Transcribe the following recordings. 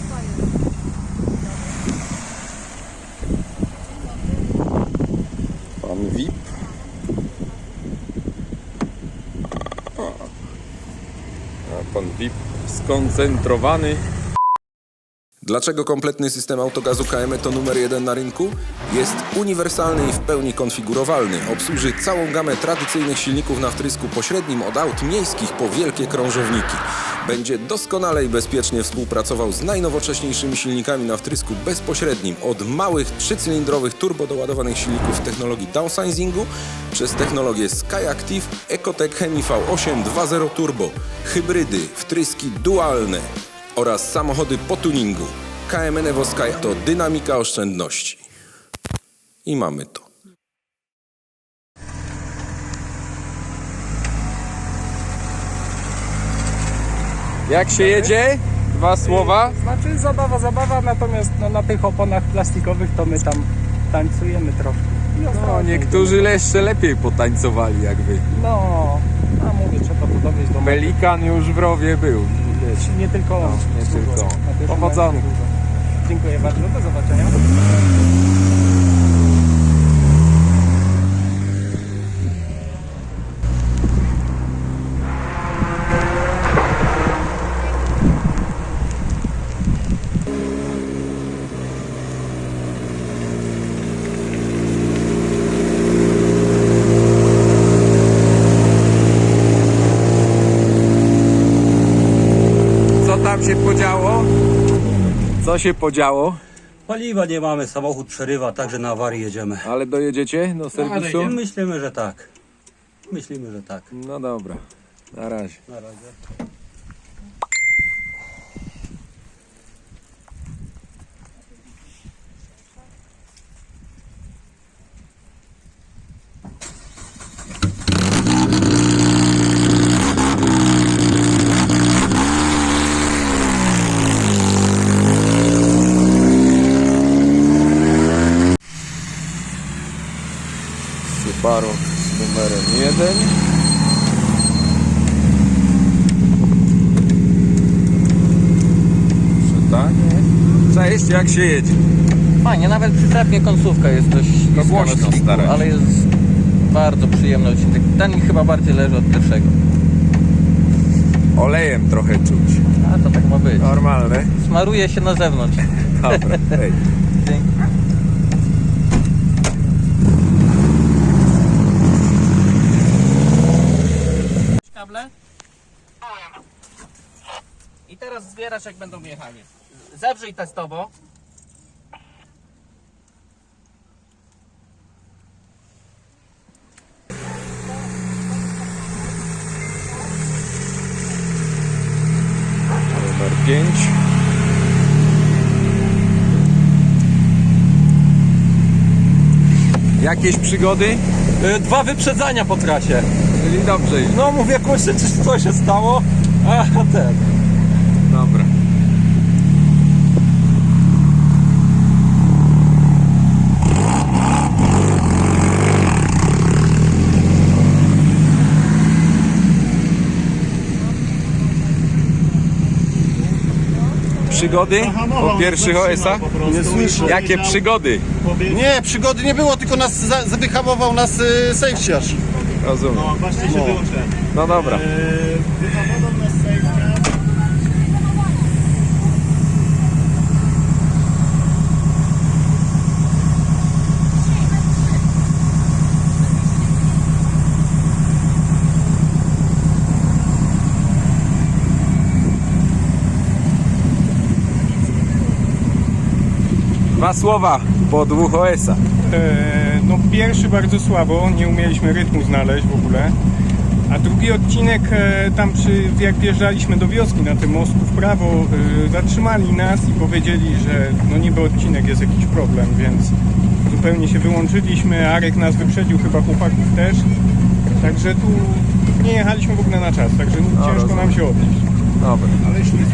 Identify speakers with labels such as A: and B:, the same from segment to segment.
A: Pan VIP. A pan VIP skoncentrowany. Dlaczego kompletny system autogazu KM to numer 1 na rynku? Jest uniwersalny i w pełni konfigurowalny. Obsłuży całą gamę tradycyjnych silników na wtrysku pośrednim od aut miejskich po wielkie krążowniki. Będzie doskonale i bezpiecznie współpracował z najnowocześniejszymi silnikami na wtrysku bezpośrednim. Od małych 3-cylindrowych turbodoładowanych silników technologii downsizingu przez technologię SkyActiv, Ecotec Hemi V8 2.0 Turbo, hybrydy, wtryski dualne oraz samochody po tuningu. KM Enevo Sky to dynamika oszczędności. I mamy to. Jak się jedzie? Dwa słowa?
B: Znaczy zabawa, natomiast no, na tych oponach plastikowych to my tam tańcujemy troszkę.
A: No, niektórzy jeszcze lepiej potańcowali jak wy.
B: No, a mówię, trzeba to dowieść do
A: Pelikan już w rowie był.
B: Wiecie, nie tylko on.
A: Nie tylko.
B: Na pierwszym
A: Powodzony.
B: razie dużo. Dziękuję bardzo, do zobaczenia.
A: Co tam się podziało? Co się podziało?
C: Paliwa nie mamy, samochód przerywa, także na awarię jedziemy.
A: Ale dojedziecie do serwisu?
C: Myślimy, że tak. Myślimy, że tak.
A: No dobra, na razie.
C: Na razie.
A: Subaru z numerem 1. Czytanie. Cześć, jak się jedzie?
D: Fajnie, nawet przyczepnie końcówka jest dość śliska
A: głośno
D: na sliku,
A: starać.
D: ale jest bardzo przyjemny odcinek. Ten mi chyba bardziej leży od pierwszego.
A: Olejem trochę czuć.
D: A to tak ma być.
A: Normalne.
D: Smaruje się na zewnątrz.
A: Dobra, hej.
D: Dzięki.
E: Kable? I teraz zbierasz, jak będą jechali. Zewrzyj testowo.
A: Numer 5. Jakieś przygody?
B: 2 wyprzedzania po trasie.
A: Czyli dobrze idzie.
B: No mówię, kurczę, co się stało? A ten.
A: Dobra. Przygody po pierwszych OS-ach?
F: Nie słyszę.
A: Jakie przygody?
F: Nie, przygody nie było, tylko nas wyhamował nas safetyarz.
A: Rozumiem.
F: Właśnie się wyłączyłem.
A: No dobra.
F: Wyhamował nas safetyarz.
A: Dwa słowa po 2 OS-ach.
B: No pierwszy bardzo słabo, nie umieliśmy rytmu znaleźć w ogóle. A drugi odcinek, jak wjeżdżaliśmy do wioski na tym mostku w prawo, zatrzymali nas i powiedzieli, że no niby odcinek jest jakiś problem, więc zupełnie się wyłączyliśmy. Arek nas wyprzedził, chyba chłopaków też. Także tu nie jechaliśmy w ogóle na czas, także ciężko
A: rozumiem.
B: nam się odnieść.
A: Dobra.
B: Ale ślisko.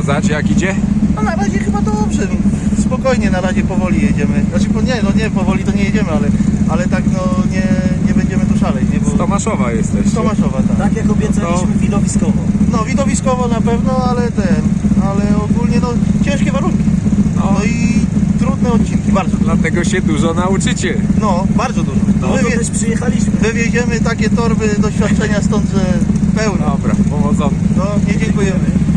A: przeszkadzać, jak idzie?
F: No na razie chyba dobrze, spokojnie na razie powoli jedziemy. Znaczy nie powoli to nie jedziemy, ale tak no nie będziemy tu szaleć, nie? Bo
A: Z Tomaszowa jesteście.
F: z Tomaszowa, tak.
C: Tak jak obiecaliśmy, widowiskowo.
F: No widowiskowo na pewno, ale ogólnie no ciężkie warunki.
A: No.
F: No i trudne odcinki, bardzo trudne.
A: Dlatego się dużo nauczycie.
F: No, bardzo dużo.
C: No to też przyjechaliśmy.
F: Wywieziemy takie torby doświadczenia stąd, że pełno.
A: Dobra, powodzonka.
F: No, nie dziękujemy.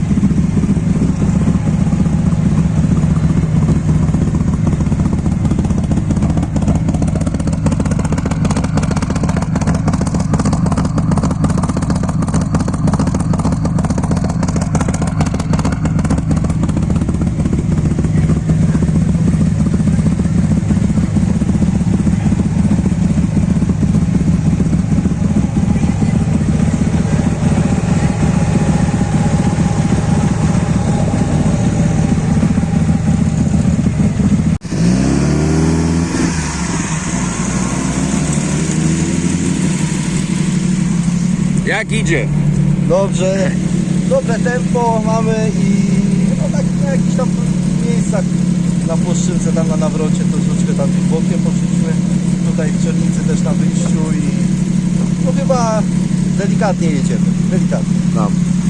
A: Jak idzie?
G: Dobrze, dobre tempo mamy i no tak na jakichś tam miejscach na Płoszczynce, tam na nawrocie troszeczkę tam bokiem poszliśmy, tutaj w Czernicy też na wyjściu i no chyba delikatnie jedziemy, delikatnie.
A: No.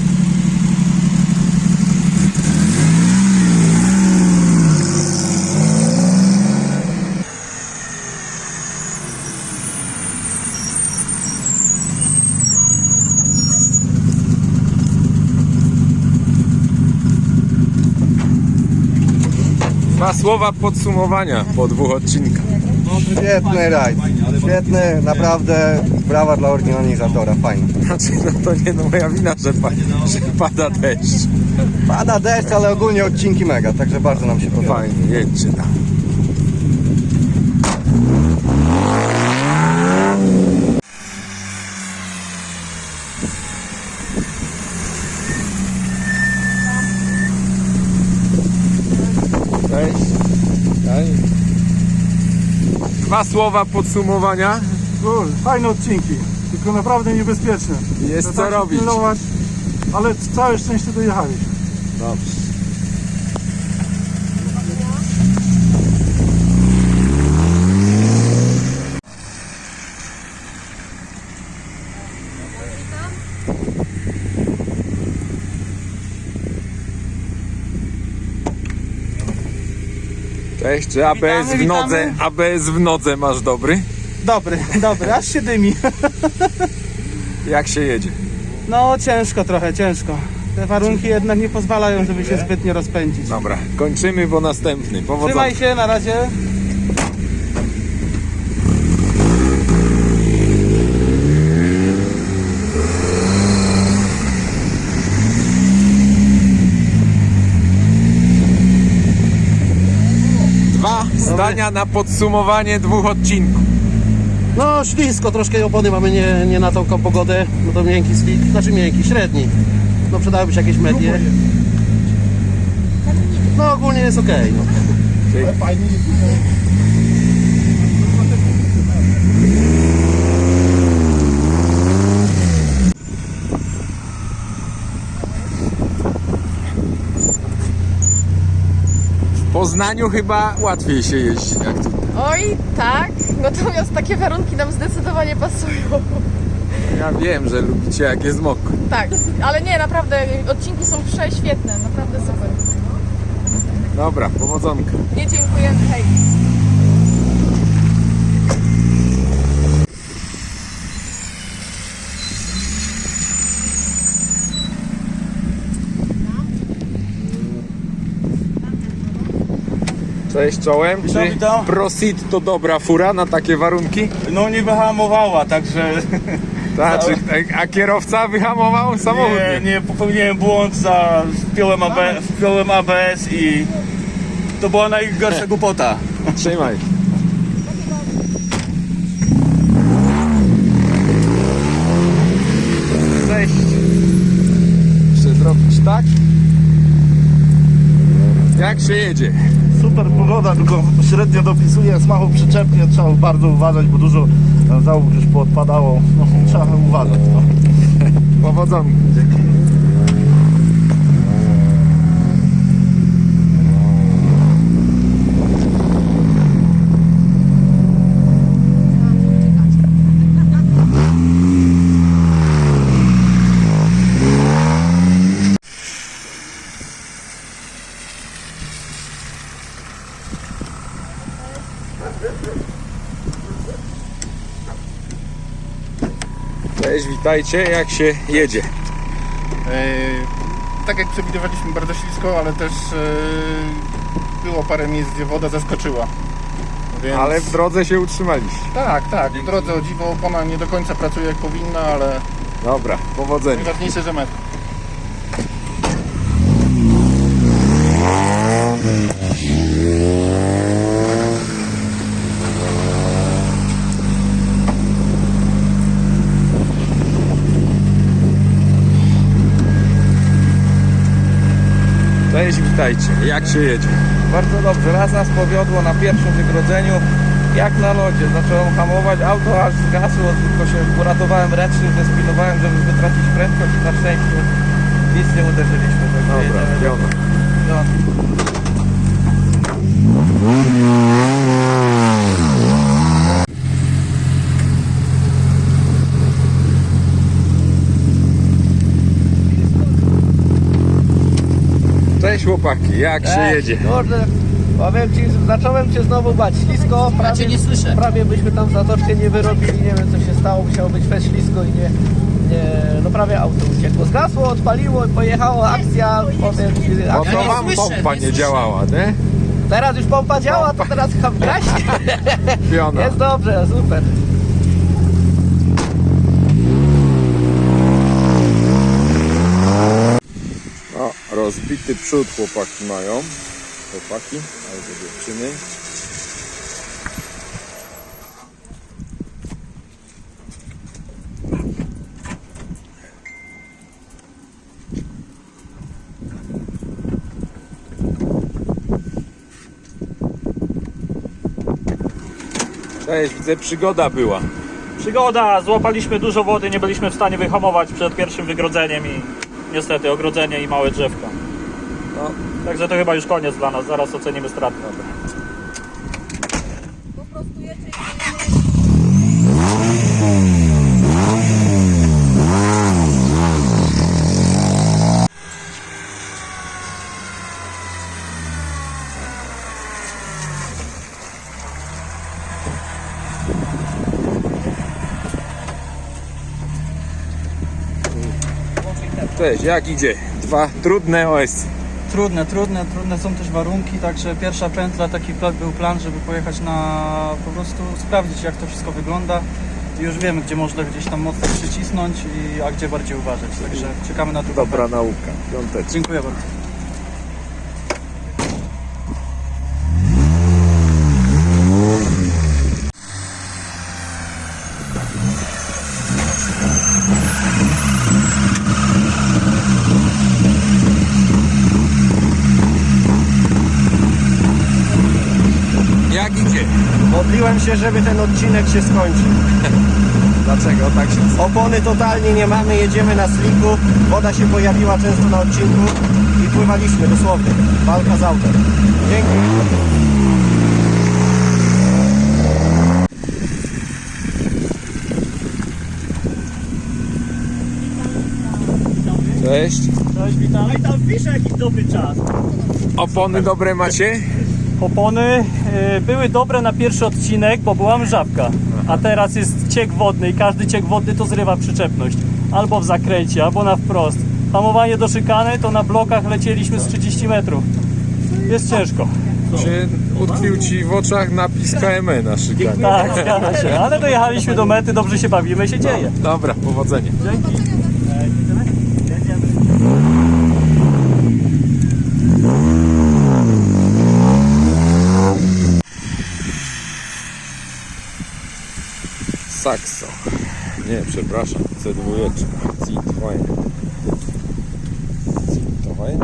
A: Dwa słowa podsumowania po 2 odcinkach.
G: Świetny rajd, świetny, naprawdę brawa dla organizatora, fajnie.
A: Znaczy, no to nie no moja wina, że pada deszcz.
G: Pada deszcz, ale ogólnie odcinki mega, także bardzo nam się podoba.
A: Fajnie, jedźcie tam. Cześć. Cześć. 2 słowa podsumowania.
B: Fajne odcinki, tylko naprawdę niebezpieczne.
A: Jest
B: Trzeba
A: co
B: się
A: robić.
B: pilnować, ale całe szczęście dojechaliśmy.
A: Dobrze. Cześć, czy ABS w nodze, ABS w nodze masz dobry?
H: Dobry, aż się dymi.
A: Jak się jedzie?
H: No ciężko trochę, ciężko. Te warunki jednak nie pozwalają, żeby się zbytnio rozpędzić.
A: Dobra, kończymy, bo następny. Powodzenia.
H: Trzymaj się, na razie.
A: Dwa zdania na podsumowanie 2 odcinków.
G: No ślisko, troszkę opony mamy nie na tą pogodę, no to miękki slick, znaczy miękki, średni. No przydałyby się jakieś medie. No ogólnie jest okej. No.
A: W Poznaniu chyba łatwiej się jeździ jak tu.
I: Oj, tak, natomiast takie warunki nam zdecydowanie pasują.
A: Ja wiem, że lubicie jak jest mokro.
I: Tak, ale nie, naprawdę odcinki są prześwietne, naprawdę super.
A: Dobra, powodzonka.
I: Nie dziękujemy, hej.
A: Cześć czołem. Czy
H: witam.
A: Prosit to dobra fura na takie warunki?
H: No nie wyhamowała, także
A: A kierowca wyhamował samochód?
H: nie popełniłem błąd, wpiąłem ABS i to była najgorsza głupota.
A: Trzymaj. Cześć. Muszę zrobić tak. Jak się jedzie?
F: Super pogoda, tylko średnio dopisuje, smachu przyczepnie, trzeba bardzo uważać, bo dużo załóg już poodpadało, no, trzeba uważać. No.
A: Powodzonka. Cześć, witajcie, jak się jedzie?
F: Tak jak przewidywaliśmy, bardzo ślisko, ale też było parę miejsc, gdzie woda zaskoczyła. Więc...
A: Ale w drodze się utrzymaliście.
F: Tak, w drodze o dziwo opona nie do końca pracuje jak powinna, ale
A: Dobra, powodzenia.
F: najważniejsze, że metr.
A: Cześć, witajcie, jak się jedzie?
D: Bardzo dobrze, raz nas powiodło na pierwszym wygrodzeniu, jak na lodzie. Zacząłem hamować, auto aż zgasło, tylko się uratowałem ręcznym, zespinowałem, żeby wytracić prędkość i na szczęście nic nie uderzyliśmy. Także
A: Dobra,
D: jedziemy.
A: wiadomo.
D: No.
A: Cześć chłopaki, jak się jedzie?
G: Kurde, powiem ci, zacząłem się znowu bać. Ślisko,
E: Ja cię nie słyszę.
G: prawie byśmy tam zatoczkę nie wyrobili, nie wiem co się stało, musiało być fest ślisko i no prawie auto uciekło. Zgasło, odpaliło, pojechało, akcja, powiem ci,
A: No
G: akcja.
A: to
E: nie
A: wam
E: słyszę,
A: pompa
E: nie
A: nie
E: słyszę.
A: działała, nie?
G: Teraz już pompa działa, to teraz chyba gaśnie.
A: Piona.
G: Jest dobrze, super.
A: O, rozbity przód chłopaki mają. Chłopaki, albo dziewczyny. Cześć, widzę, przygoda była.
J: Przygoda, złapaliśmy dużo wody, nie byliśmy w stanie wyhamować przed pierwszym wygrodzeniem i niestety ogrodzenie i małe drzewka. No, także to chyba już koniec dla nas, zaraz ocenimy straty.
A: Cześć, jak idzie? Dwa trudne OS.
H: Trudne są też warunki, także pierwsza pętla, taki był plan, żeby pojechać po prostu sprawdzić jak to wszystko wygląda. I już wiemy, gdzie można gdzieś tam mocno przycisnąć, a gdzie bardziej uważać, także czekamy na drugą
A: Dobra
H: pętlę.
A: nauka. Piąteczka.
H: Dziękuję bardzo.
A: Jak idzie?
G: Modliłem się, żeby ten odcinek się skończył.
A: Dlaczego tak się
G: Opony totalnie nie mamy, jedziemy na sliku. Woda się pojawiła często na odcinku i pływaliśmy dosłownie. Walka z autem. Dzięki.
A: Cześć.
J: Cześć, witam. I tam pisze jakiś dobry czas.
A: Opony dobre macie?
J: Opony były dobre na pierwszy odcinek, bo była mrzawka, a teraz jest ciek wodny i każdy ciek wodny to zrywa przyczepność. Albo w zakręcie, albo na wprost. Hamowanie do szykany to na blokach lecieliśmy z 30 metrów. Jest ciężko.
A: Czy utkwił ci w oczach napis KME na szykanie?
J: Tak, zgadza się. Ale dojechaliśmy do mety, dobrze się bawimy, się dzieje.
A: Dobra, powodzenia.
J: Dzięki.
A: Saxo. Nie, przepraszam. C2. Citroen. Citroen.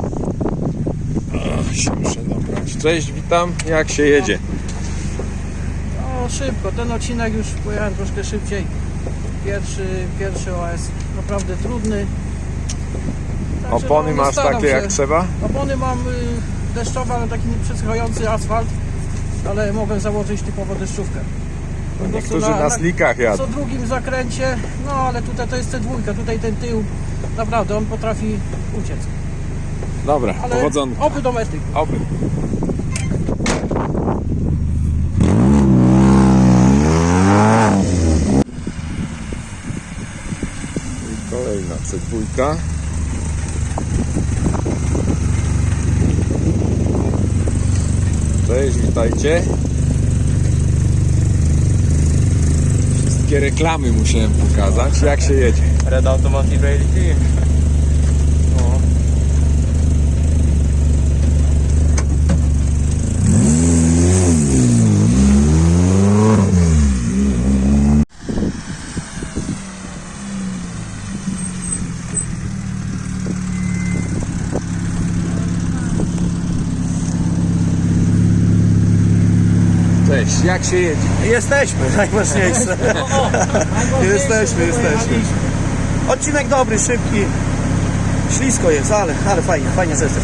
A: Się muszę dobrać. Cześć, witam. Jak się jedzie?
E: No szybko, ten odcinek już pojechałem troszkę szybciej. Pierwszy OS naprawdę trudny. Także
A: Opony masz
E: staram
A: takie
E: się.
A: jak trzeba?
E: Opony mam deszczowe, ale taki nieprzeschający asfalt, ale mogę założyć typowo deszczówkę. Po prostu
A: Niektórzy na slikach jadą.
E: co drugim zakręcie, no ale tutaj to jest C2, tutaj ten tył, naprawdę on potrafi uciec.
A: Dobra,
E: Ale
A: powodzonka.
E: oby do mety.
A: Oby. C2. Cześć, witajcie. Wszystkie reklamy musiałem pokazać. Jak się jedzie?
D: Red Automotive Rally.
A: Cześć, jak się jedzie?
G: Jesteśmy, najważniejsze. Jesteśmy. Odcinek dobry, szybki. Ślisko jest, ale fajnie zestaw.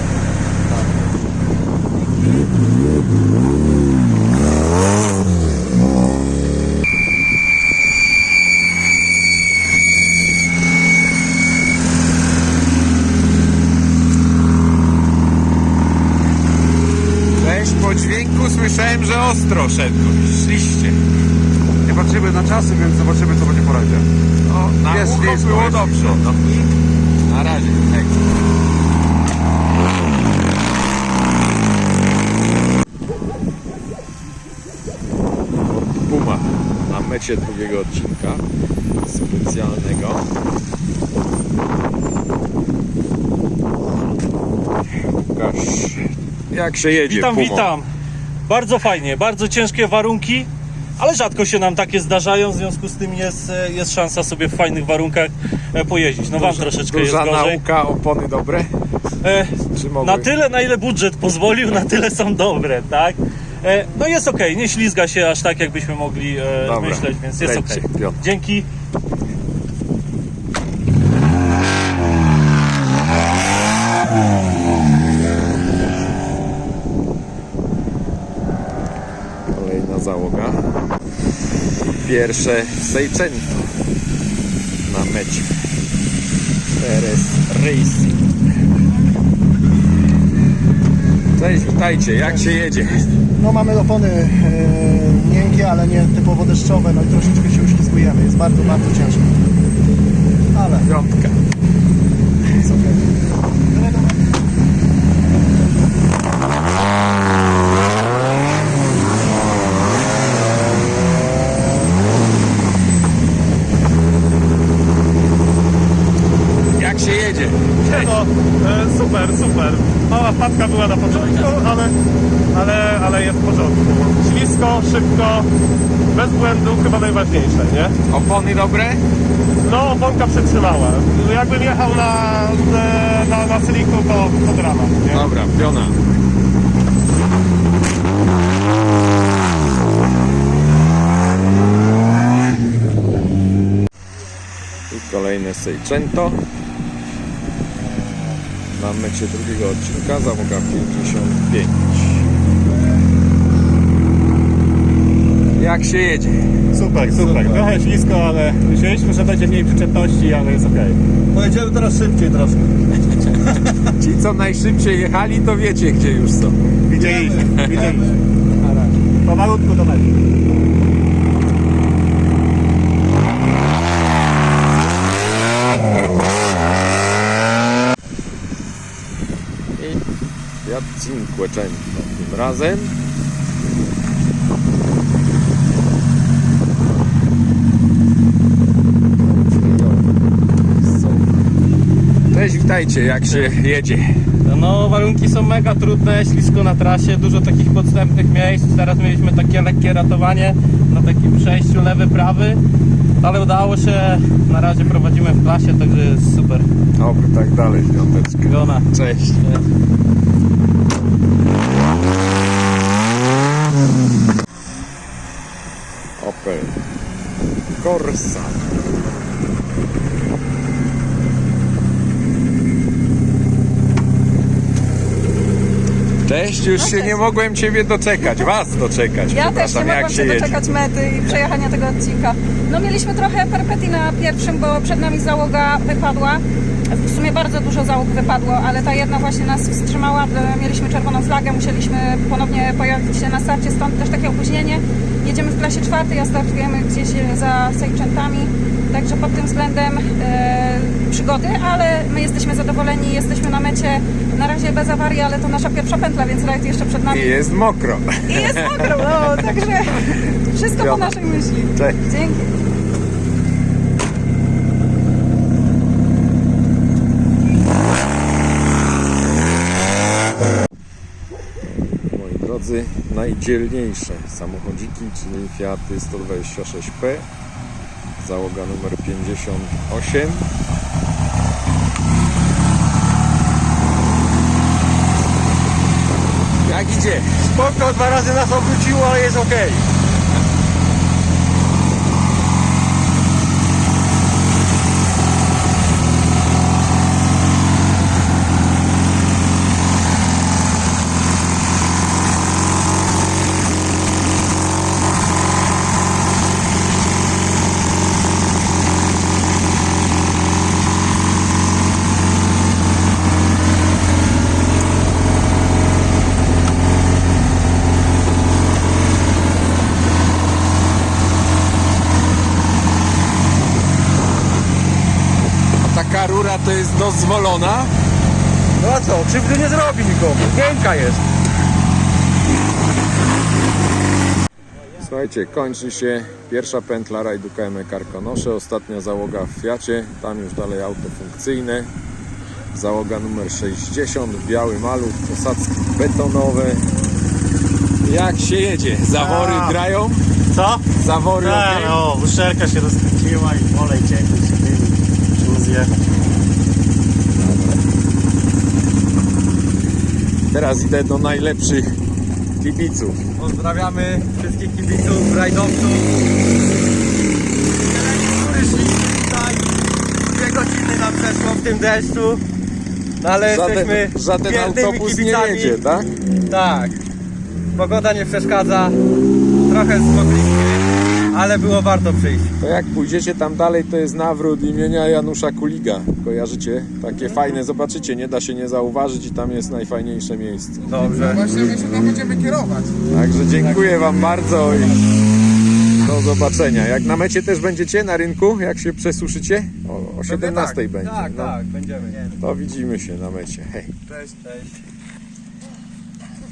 A: Cześć, po dźwięku słyszałem, że ostro szliście.
F: Nie patrzymy na czasy, więc zobaczymy, co będzie po razie.
A: No, na
F: Jest
A: ucho
F: blisko,
A: było
F: jest
A: dobrze. No. Na razie. Tak. Puma na mecie drugiego odcinka specjalnego. Łukasz, jak się jedzie?
J: Witam,
A: Pumo?
J: witam. Bardzo fajnie, bardzo ciężkie warunki, ale rzadko się nam takie zdarzają, w związku z tym jest szansa sobie w fajnych warunkach pojeździć. No wam troszeczkę jest
A: Duża
J: gorzej.
A: nauka, opony dobre? Czy mogły?
J: Na tyle, na ile budżet pozwolił, na tyle są dobre, tak? No jest ok, nie ślizga się aż tak, jakbyśmy mogli
A: Dobra,
J: myśleć, więc jest ok.
A: lećcie, Piotr.
J: Dzięki.
A: Kolejna załoga. Pierwsze Seicento na mecie. Teraz Racing. Cześć, witajcie, jak się jedzie?
G: No mamy opony miękkie, ale nie typowo deszczowe, no i troszeczkę się uślizgujemy. Jest bardzo ciężko. Ale
A: Piątka.
G: jest okej.
A: Jak się jedzie?
B: No, super. Mała wpadka była na początku, ale jest w porządku. Ślisko, szybko, bez błędów, chyba najważniejsze, nie?
A: Opony dobre?
B: No, oponka przetrzymała. Jakbym jechał na sliku, to dramat, nie?
A: Dobra, piona. I kolejne Seicento. Na mecie drugiego odcinka, załoga 55. Jak się jedzie?
B: Super. Trochę ślisko, ale myśleliśmy, że będzie mniej przyczepności, ale jest okej.
G: Pojedziemy teraz szybciej troszkę.
A: Ci co najszybciej jechali, to wiecie gdzie już są.
B: Widzieliśmy. Powolutku do mety.
A: I Fiat Cinquecento tym razem. Cześć, witajcie, jak się jedzie?
D: No warunki są mega trudne, ślisko na trasie, dużo takich podstępnych miejsc. Teraz mieliśmy takie lekkie ratowanie na takim przejściu lewy-prawy, ale udało się, na razie prowadzimy w klasie, także jest super.
A: Oby tak dalej, piąteczkę.
D: Gona.
A: Cześć. Opel Corsa. Cześć, już się nie mogłem Ciebie doczekać, Was doczekać.
I: Ja też nie
A: przepraszam, jak
I: mogłam
A: się
I: się
A: jedzie?
I: doczekać mety i przejechania tego odcinka. No mieliśmy trochę perypetii na pierwszym, bo przed nami załoga wypadła. W sumie bardzo dużo załóg wypadło, ale ta jedna właśnie nas wstrzymała. Mieliśmy czerwoną flagę, musieliśmy ponownie pojawić się na starcie, stąd też takie opóźnienie. jedziemy w klasie 4, a startujemy gdzieś za Sejczętami. Także pod tym względem przygody, ale my jesteśmy zadowoleni, jesteśmy na mecie. Na razie bez awarii, ale to nasza pierwsza pętla, więc rajd jeszcze przed nami.
B: I jest mokro.
I: I jest mokro, no, także wszystko po naszej myśli.
B: Cześć.
I: Dzięki.
A: Moi drodzy, najdzielniejsze samochodziki, czyli Fiaty 126P, załoga numer 58.
B: Jak idzie? Spoko, 2 razy nas obróciło, ale jest ok.
A: Taka rura to jest dozwolona?
B: No a co, krzywdy nie zrobi nikomu, miękka jest.
A: Słuchajcie, kończy się pierwsza pętla rajdu KM Karkonosze, ostatnia załoga w Fiacie, tam już dalej auto funkcyjne. Załoga numer 60, biały maluch, posadzki betonowe. Jak się jedzie? Zawory grają?
J: Co?
A: Zawory okej?
J: No, uszczelka się rozkręciła i olej ciekły się dymi. Musimy zjechać.
A: Teraz idę do najlepszych kibiców.
D: Pozdrawiamy wszystkich kibiców, rajdowców. Niektórzy szliśmy tutaj, 2 godziny nam przeszło w tym deszczu. No ale jesteśmy
A: Żaden
D: wiernymi
A: autobus nie
D: kibicami.
A: jedzie, tak?
D: Tak. Pogoda nie przeszkadza. Trochę zmogliśmy, ale było warto przyjść.
A: To jak pójdziecie tam dalej, to jest nawrót imienia Janusza Kuliga. Kojarzycie? Takie fajne, zobaczycie, nie da się nie zauważyć i tam jest najfajniejsze miejsce.
D: Dobrze.
F: Właśnie my się tam będziemy kierować.
A: Także dziękuję Wam bardzo i do zobaczenia. Jak na mecie też będziecie na rynku, jak się przesuszycie? O 17 będzie.
D: Tak,
A: No,
D: tak, będziemy.
A: to widzimy się na mecie. Hej.
D: Cześć, cześć.